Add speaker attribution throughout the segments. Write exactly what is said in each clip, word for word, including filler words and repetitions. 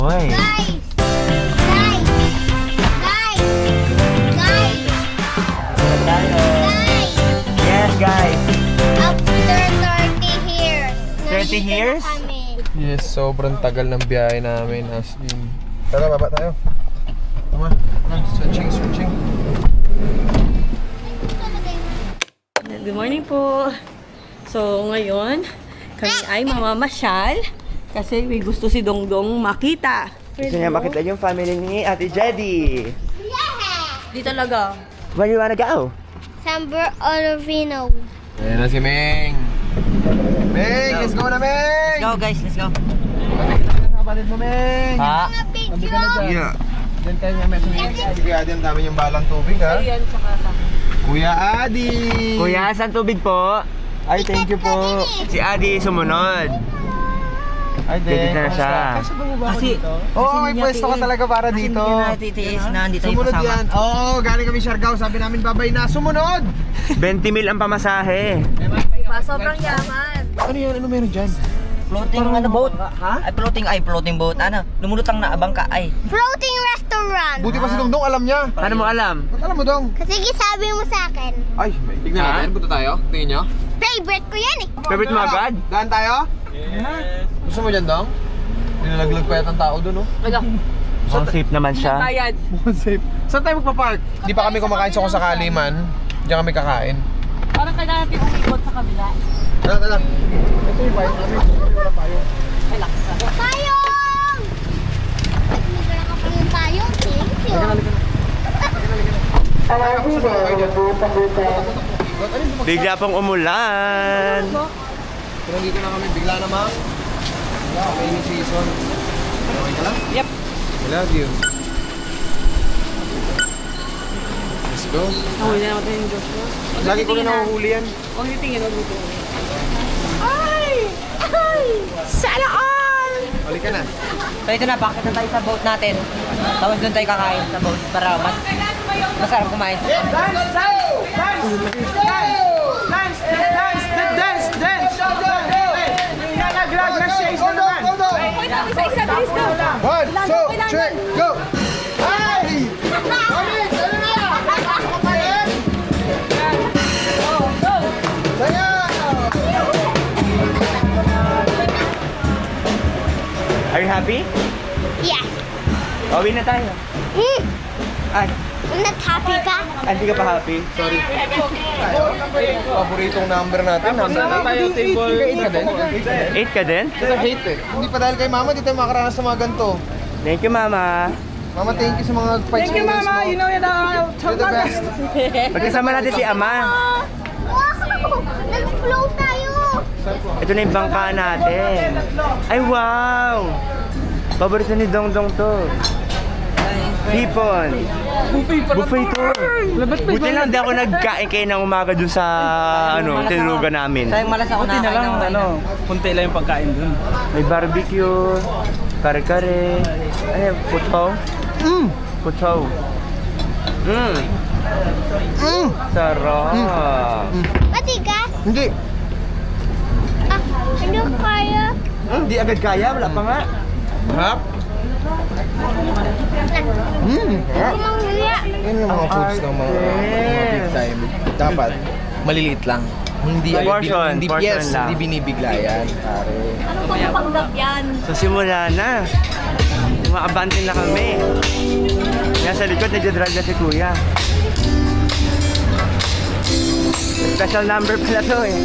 Speaker 1: Hoy.
Speaker 2: Guys! Guys! Guys! Guys!
Speaker 1: Tayo.
Speaker 2: Guys!
Speaker 1: Yes, guys.
Speaker 2: After thirty years.
Speaker 1: thirty
Speaker 2: nandito na
Speaker 1: years?
Speaker 2: kami.
Speaker 3: Yes, sobrang tagal ng biyahe namin as in. Tara, baba tayo. Tama, tama, stretching, stretching.
Speaker 4: Good morning po. So, ngayon, kami ay mamamasyal kasi may gusto si Dongdong makita.
Speaker 1: Gusto niya makita yung family ni Ate Jedy.
Speaker 2: Yeah!
Speaker 4: Di talaga.
Speaker 1: Where do you wanna go?
Speaker 2: Samber Olovino.
Speaker 3: Ayan na si Meng. Meng, let's go na, Meng!
Speaker 1: Go guys, let's go.
Speaker 3: Kapatid mo, Meng!
Speaker 1: Ha?
Speaker 2: Mga
Speaker 3: Sabi ka na
Speaker 2: picture.
Speaker 3: dyan. Yeah. Diyan tayo nga, Meng. Si Kuya Adi, ang dami niyang balang tubig, ha?
Speaker 4: Ayan, tsaka sa...
Speaker 3: Kuya Adi!
Speaker 1: Kuya, saan tubig po? Ay, thank you po. Si Adi sumunod.
Speaker 3: Ay,
Speaker 1: Pwede na siya.
Speaker 3: Kasi ba mo ba ako
Speaker 1: Kasi-
Speaker 3: dito? Oo, may pwesto ka talaga para dito.
Speaker 1: titiis na, hindi
Speaker 3: Sumunod yan. Oo, galing kami Siargao. Sabi namin babay na. Sumunod!
Speaker 1: twenty mil ang pamasahe.
Speaker 4: Sobrang yaman.
Speaker 3: Ano yan? Ano meron dyan?
Speaker 5: Floating ano boat? Ha? Ay floating ay floating boat. Ano? Lumulutang na bangka ay.
Speaker 2: Floating restaurant.
Speaker 3: Buti pa si Dongdong alam niya.
Speaker 1: Paano mo alam?
Speaker 3: Ba't alam mo, Dong?
Speaker 2: Kasi sabi mo sa akin,
Speaker 3: Ay, tignan
Speaker 1: Ha?
Speaker 3: natin. Punta tayo. Tingin nyo.
Speaker 2: favorite ko yan eh.
Speaker 1: Favorite mo agad?
Speaker 3: Daan tayo? Yes. Gusto mo dyan, Dong? Nilalaglag pa yata ang tao dun, oh.
Speaker 4: Wala.
Speaker 1: Mukhang safe naman siya.
Speaker 4: Bayad.
Speaker 3: Mukhang safe. Saan tayo magpa-park? Di pa kami kumakain sa kung sakali man. Diyan kami kakain.
Speaker 4: Parang kailangan natin umikot sa kabila.
Speaker 3: Tara, tara. Ito yung payong namin. Wala payong.
Speaker 4: Ay, lakas na.
Speaker 2: Payong! Nagmigala ka pa yung payong. Thank you.
Speaker 1: Bigla pong umulan.
Speaker 3: Pero dito na kami, bigla namang. Wala, okay ni season. Okay ka lang?
Speaker 4: Yep.
Speaker 3: I love you. Let's go.
Speaker 4: Nahuli na natin yung Joshua.
Speaker 3: Lagi ko rin nahuhuli yan.
Speaker 4: Huwag niyo tingin, huwag niyo tingin.
Speaker 2: Sana all!
Speaker 3: Halika na.
Speaker 5: So ito na, bakit na tayo sa boat natin. Tapos doon tayo kakain sa boat para mas masarap kumain.
Speaker 3: One, two, three, go! Ay! Mami, sa'yo na! Saya!
Speaker 1: Are you happy?
Speaker 2: Yes.
Speaker 1: Uwi na tayo.
Speaker 2: Hmm.
Speaker 1: Ay,
Speaker 2: Not happy ka?
Speaker 1: hindi ka pa happy?
Speaker 3: Sorry. Paboritong number natin. Number na tayo, table. eight ka din?
Speaker 1: eight ka din?
Speaker 3: Ito hate eh. Hindi pa dahil kay mama, di tayo makaranas sa mga ganito.
Speaker 1: Thank you, Mama.
Speaker 3: Mama, thank you sa mga fight experience mo. Thank you, Mama. You know you're the, you're the best.
Speaker 1: Pagkasama natin si Ama.
Speaker 2: Wow! Nag-float tayo!
Speaker 1: Ito na yung bangka natin. Ay, wow! Paborito ni Dongdong to. Hipon. Buffet to. Buti lang di ako nagkain kayo ng umaga dun sa ano, tinulugan namin.
Speaker 5: Sayang malas ako na lang, ano.
Speaker 6: Kunti lang yung pagkain dun.
Speaker 1: May barbecue, kare-kare, ano yung putsaw?
Speaker 3: Mm.
Speaker 1: Putsaw. Mmm.
Speaker 3: Mm.
Speaker 1: Sarap.
Speaker 2: Matigas?
Speaker 3: Hindi.
Speaker 2: Ah, ano kaya?
Speaker 1: Hindi agad kaya, wala pa nga.
Speaker 3: Harap? Mm. Harap.
Speaker 2: Kumanghiya.
Speaker 3: Yan yung mga foods ng mga, mga big time. Dapat, maliliit lang. Hindi,
Speaker 1: Portion,
Speaker 3: hindi,
Speaker 1: portion
Speaker 3: yes,
Speaker 1: lang.
Speaker 3: hindi binibigla yan, pare.
Speaker 4: Ano ba panggap yan?
Speaker 1: So simula na. Umaabante na kami. Nasa likod, nagdadrive na si Kuya. Special number pala to eh.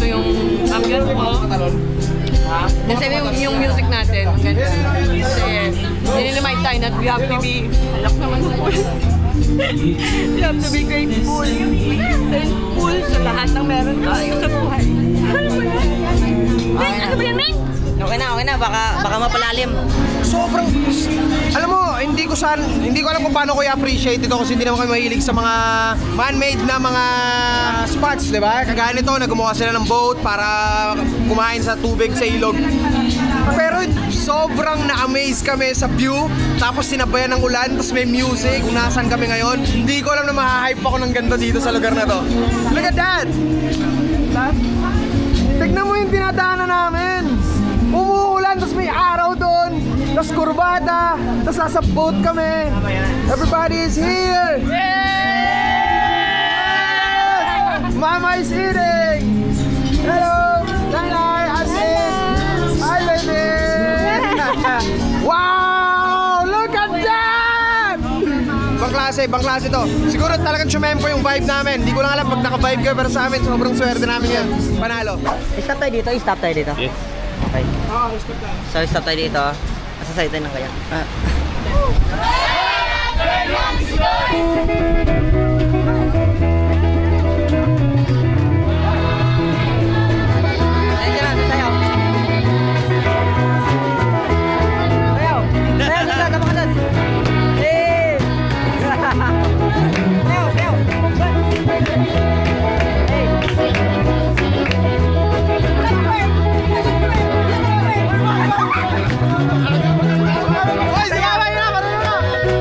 Speaker 4: ganito yung ambience mo. Kasi yung, yung music natin, ang ganda. Kasi, nililimayin tayo na we have to be, alak naman yung pool. We have to be grateful. Thankful sa lahat ng meron tayo sa buhay. Ming, ano ba yan, Ming?
Speaker 5: Okay na, okay na. Baka, baka mapalalim.
Speaker 3: Sobrang, alam mo, hindi ko san, hindi ko alam kung paano ko i-appreciate ito kasi hindi naman kami mahilig sa mga man-made na mga spots, di ba? Kagaya nito, naggumawa sila ng boat para kumain sa tubig sa ilog. Pero sobrang na-amaze kami sa view, tapos sinabayan ng ulan, tapos may music, kung nasaan kami ngayon. Hindi ko alam na mahahype ako ng ganda dito sa lugar na to. Look at that! Tignan mo yung dinadaanan namin! Umuulan, tapos may araw doon, tapos kurbada, tapos nasa boat kami. Everybody is here! Yes! Mama is eating! Hello! Nanay! Asin! Hi, baby! Wow! Look at that! Ibang klase, ibang klase to. Siguro talagang chumempo yung vibe namin. Hindi ko lang alam pag naka-vibe kayo, pero sa amin, sobrang swerte namin yan. Panalo.
Speaker 5: Stop tayo dito, stop tayo dito. Yes. Okay. So, stop tayo dito. Nasa side tayo ng kaya. Ah. Ayun dyan, sasayaw. Sayaw. Sayaw, sayaw, tama ka dun. Eh. Sayaw, sayaw. Hey.
Speaker 3: Hoy, sumabay na! Marunong na!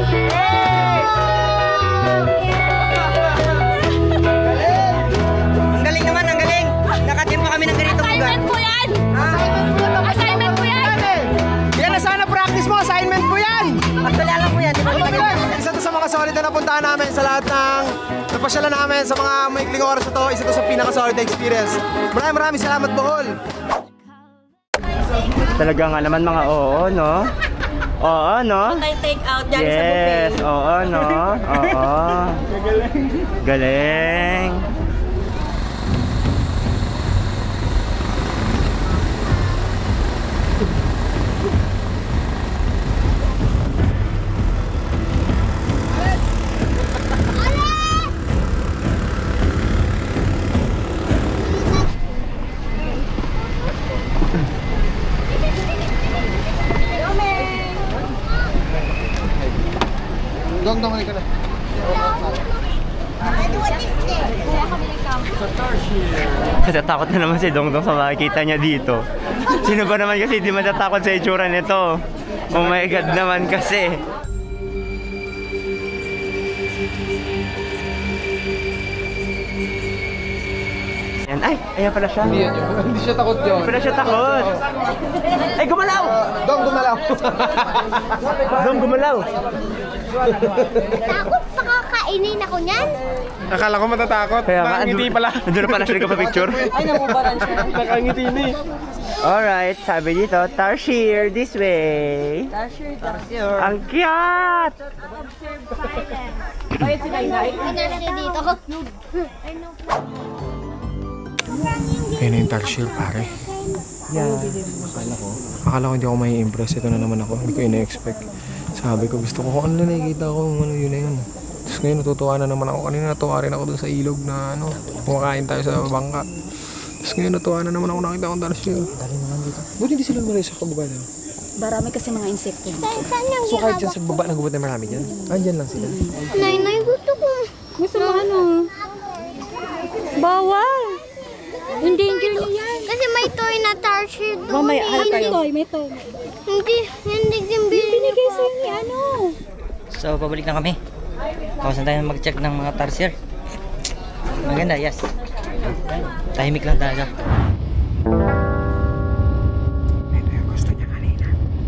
Speaker 5: Ang galing naman, ang galing. Nakatim pa kami ng ganitong lugar.
Speaker 2: Assignment po yan! Assignment po yan!
Speaker 3: Yan na sana practice mo, assignment mo yan!
Speaker 5: Actually, alam mo yan. Di ba kita ganyan?
Speaker 3: Isa to sa mga solid na napuntahan namin sa lahat ng napasyalan namin sa mga maikling oras na to. Isa to sa pinaka-solid na experience. Maraming maraming salamat, Bohol!
Speaker 1: Talaga nga naman mga oo, no? Oo, no?
Speaker 4: Tayo take out dyan sa buffet.
Speaker 1: Yes, oo, no? Oo. Galing.
Speaker 3: Dong, dong, ka na.
Speaker 1: Natatakot na naman si Dongdong sa makikita niya dito. Sino ba naman kasi di matatakot sa itsura nito? Oh my God naman kasi. Yan. Ay, ayan pala siya.
Speaker 3: Hindi yan yun. Hindi siya takot yun.
Speaker 1: Hindi pala siya takot. Ay, gumalaw!
Speaker 3: Dong, gumalaw.
Speaker 1: Dong, gumalaw.
Speaker 2: Takot pa kakainin ako niyan.
Speaker 3: Akala ko matatakot.
Speaker 1: Kaya nga,
Speaker 3: Nakangiti
Speaker 1: andun-
Speaker 3: pala.
Speaker 1: Andun na pala siya nagpa-picture.
Speaker 4: Ay, namubaran siya.
Speaker 3: Nakangiti na eh.
Speaker 1: Alright, sabi dito, Tarsier, this way.
Speaker 4: Tasher, tasher.
Speaker 1: Ang cute!
Speaker 4: Bayad si Nainay.
Speaker 2: Pinarasi dito ko. Ano po?
Speaker 3: Ayun na yung Tarsier, pare. Akala ko hindi ako may impress. Ito na naman ako. Hindi ko ina-expect. Sabi ko, gusto ko kung ano na nakikita ko, ano yun na yun. Tapos ngayon natutuwa na naman ako. Kanina natuwa rin ako dun sa ilog na ano, kumakain tayo sa bangka. Tapos ngayon natuwa na naman ako nakita akong Tarsier. Dali naman dito. Buti hindi sila maray sa kababa na.
Speaker 6: Marami kasi mga insekto.
Speaker 2: Saan, saan yung
Speaker 3: So kahit dyan sa baba, nagubat na marami dyan. Andyan lang sila.
Speaker 2: Nay, nay, gusto ko.
Speaker 6: Gusto mo ano? Bawal! Hindi, hindi niya yan.
Speaker 2: Kasi may toy na Tarsier doon.
Speaker 6: Mamaya,
Speaker 2: eh.
Speaker 6: hanap kayo. May toy, may toy.
Speaker 2: Hindi, hindi din
Speaker 6: Binigay sa inyo, ano?
Speaker 5: So, pabalik na kami. Tapos na tayo mag-check ng mga tarsier. Maganda, yes. Tahimik lang talaga.
Speaker 3: Ito yung gusto niya kanina.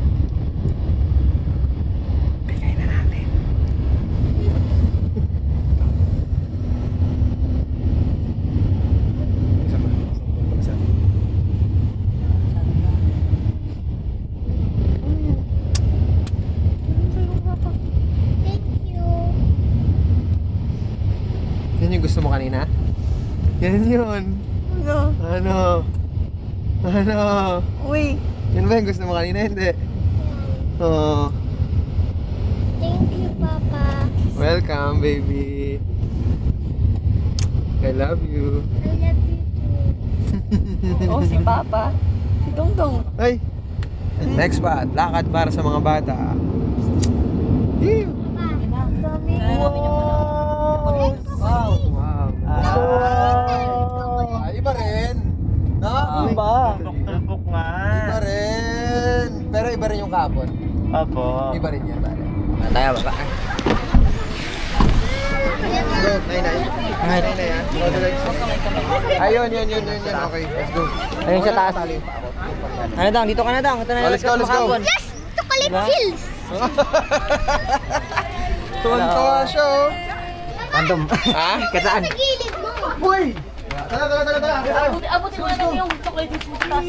Speaker 3: Bigay na natin. Isa pa. Isa pa.
Speaker 2: Thank you.
Speaker 3: Yan yung gusto mo kanina? Yan yun.
Speaker 4: No.
Speaker 3: Ano? Ano?
Speaker 4: Uy.
Speaker 3: Yan ba yung gusto mo kanina? Hindi. Oh,
Speaker 2: Thank you, Papa.
Speaker 3: welcome, baby. I love you.
Speaker 2: I love you too.
Speaker 4: Oh, si Papa. Si Dongdong.
Speaker 3: Ay! And next spot, lakad para sa mga bata. Ew! Wow! Wow! Wow! Ah, iba rin. No?
Speaker 1: Iba. Tumpok nga.
Speaker 3: Iba rin. Pero iba rin yung kapon.
Speaker 1: Apo.
Speaker 3: Iba rin yan, pare.
Speaker 5: Tayo, baba.
Speaker 3: Let's go, Nay Nay. Nay Nay, ah. Go to legs. Ayun, yun, yun, yun, yun. Okay, let's go.
Speaker 5: Ayun sa taas. Ano dang, dito ka na dang. Ito na
Speaker 3: Oh, let's go, let's go.
Speaker 2: Yes! Chocolate
Speaker 5: Diba?
Speaker 2: hills!
Speaker 3: Tuwan-tuwa siya, oh.
Speaker 5: Random.
Speaker 3: Ha?
Speaker 5: Kasaan?
Speaker 2: Sa gilid mo!
Speaker 3: Uy! Tara, tara, tara, tara. Tara.
Speaker 4: Abutin mo na lang yung chocolate chips mo sa taas.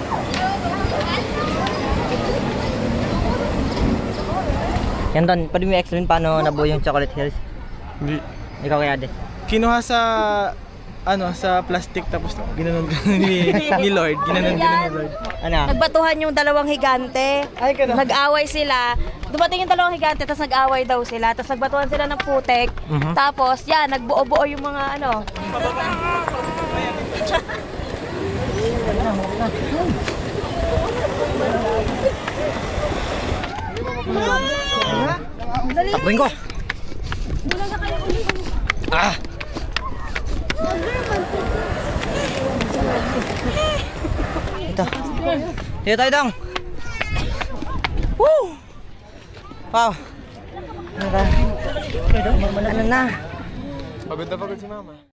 Speaker 5: Yan Don, pwede mo i-explain paano nabuo yung Chocolate Hills?
Speaker 7: Hindi.
Speaker 5: Ikaw kaya de.
Speaker 7: Kinuha sa ano sa plastic tapos ginanon ni, ni Lord, ginanon ginanon ni Lord.
Speaker 5: Ano?
Speaker 4: Nagbatuhan yung dalawang higante.
Speaker 7: Ay, ganun.
Speaker 4: Nag-away sila. Dumating yung dalawang higante, tapos nag-away daw sila. Tapos nagbatuhan sila ng putek.
Speaker 5: Mhm.
Speaker 4: Tapos, yan, nagbuo-buo yung mga ano.
Speaker 5: Takbuhin ko. Ah! Ito. Dito tayo dong. Woo! Wow. Ano na? Ano na?
Speaker 3: Pagod na pagod si Mama.